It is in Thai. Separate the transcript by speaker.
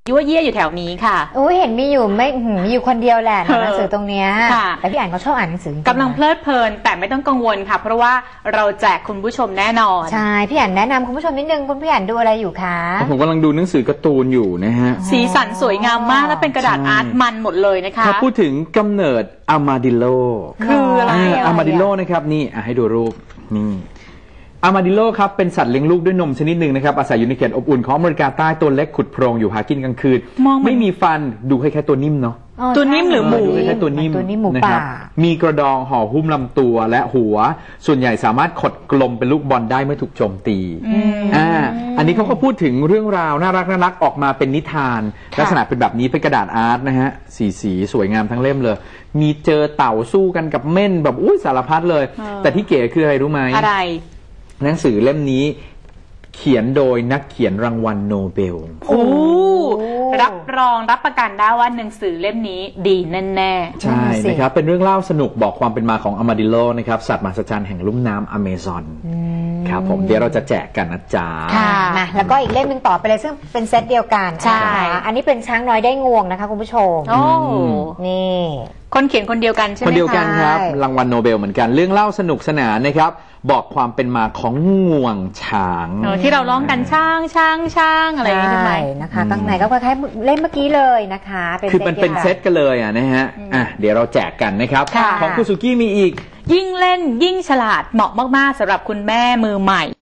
Speaker 1: ยั่วเยี่ยอยู่แถวนี้ค่ะ
Speaker 2: โอ้เห็นมีอยู่ไม่มีอยู่คนเดียวแหละหนังสือตรงเนี้ยแต่พี่อ่านเขาชอบอ่านหนังสือก
Speaker 1: ำลังเพลิดเพลินแต่ไม่ต้องกังวลค่ะเพราะว่าเราแจกคุณผู้ชมแน่นอน
Speaker 2: ใช่พี่อ่านแนะนำคุณผู้ชมนิดนึงคุณพี่อ่านดูอะไรอยู่คะ
Speaker 3: ผมกำลังดูหนังสือการ์ตูนอยู่นะฮะ
Speaker 1: สีสันสวยงามมากและเป็นกระดาษอาร์ตมันหมดเลยนะคะ
Speaker 3: ถ้าพูดถึงกำเนิดอาร์มาดิโล
Speaker 1: คืออะไร
Speaker 3: อาร์มาดิโลนะครับนี่ให้ดูรูปนี่อาร์มาดิโลครับเป็นสัตว์เลี้ยงลูกด้วยนมชนิดหนึ่งนะครับอาศัยอยู่ในเขตอบอุ่นของอเมริกาใต้ตัวเล็กขุดโพรงอยู่หากินกลางคืนไม่มีฟันดูคล้ายๆตัวนิ่มเนาะ
Speaker 1: ตัวนิ่มหรือหมู
Speaker 3: ดูคล้ายๆตัวนิ่มนะครับมีกระดองห่อหุ้มลำตัวและหัวส่วนใหญ่สามารถขดกลมเป็นลูกบอลได้เมื่อถูกโจมตีอันนี้เขาก็พูดถึงเรื่องราวน่ารักออกมาเป็นนิทานลักษณะเป็นแบบนี้เป็นกระดาษอาร์ตนะฮะสีสวยงามทั้งเล่มเลยมีเจอเต่าสู้กันกับเม่นแบบสารพัดเลยแต่ที่เก๋คืออะไรรู้ไหม
Speaker 1: อะไร
Speaker 3: หนังสือเล่มนี้เขียนโดยนักเขียนรางวัลโนเบล
Speaker 1: รับรองรับประกันได้ว่าหนังสือเล่มนี้ดีแน่
Speaker 3: ๆใช่นะครับเป็นเรื่องเล่าสนุกบอกความเป็นมาของอาร์มาดิโลนะครับสัตว์มหัศจรรย์แห่งลุ่มน้ำอเมซอนครับผมเดี๋ยวเราจะแจกกันนะจ๊ะ
Speaker 2: มาแล้วก็อีกเล่มหนึ่งต่อไปเลยซึ่งเป็นเซตเดียวกัน
Speaker 1: ใช่
Speaker 2: อันนี้เป็นช้างน้อยได้งวงนะคะคุณผู้ชมนี่
Speaker 1: คนเขียนคนเดียวกันใช่ไหม
Speaker 3: คนเดียวกันครับรางวัลโนเบลเหมือนกันเรื่องเล่าสนุกสนานนะครับบอกความเป็นมาของงวงช้าง
Speaker 1: ที่เราร้องกันช่างอะไรอย่างนี้ใช่ไหม
Speaker 2: นะคะข้างในก็คล้ายๆเล่มเมื่อกี้เลยนะคะ
Speaker 3: คือเป็นเซตกันเลยนะฮะเดี๋ยวเราแจกกันนะครับของคุณสุกี้มีอีก
Speaker 1: ยิ่งเล่นยิ่งฉลาดเหมาะมากๆสำหรับคุณแม่มือใหม่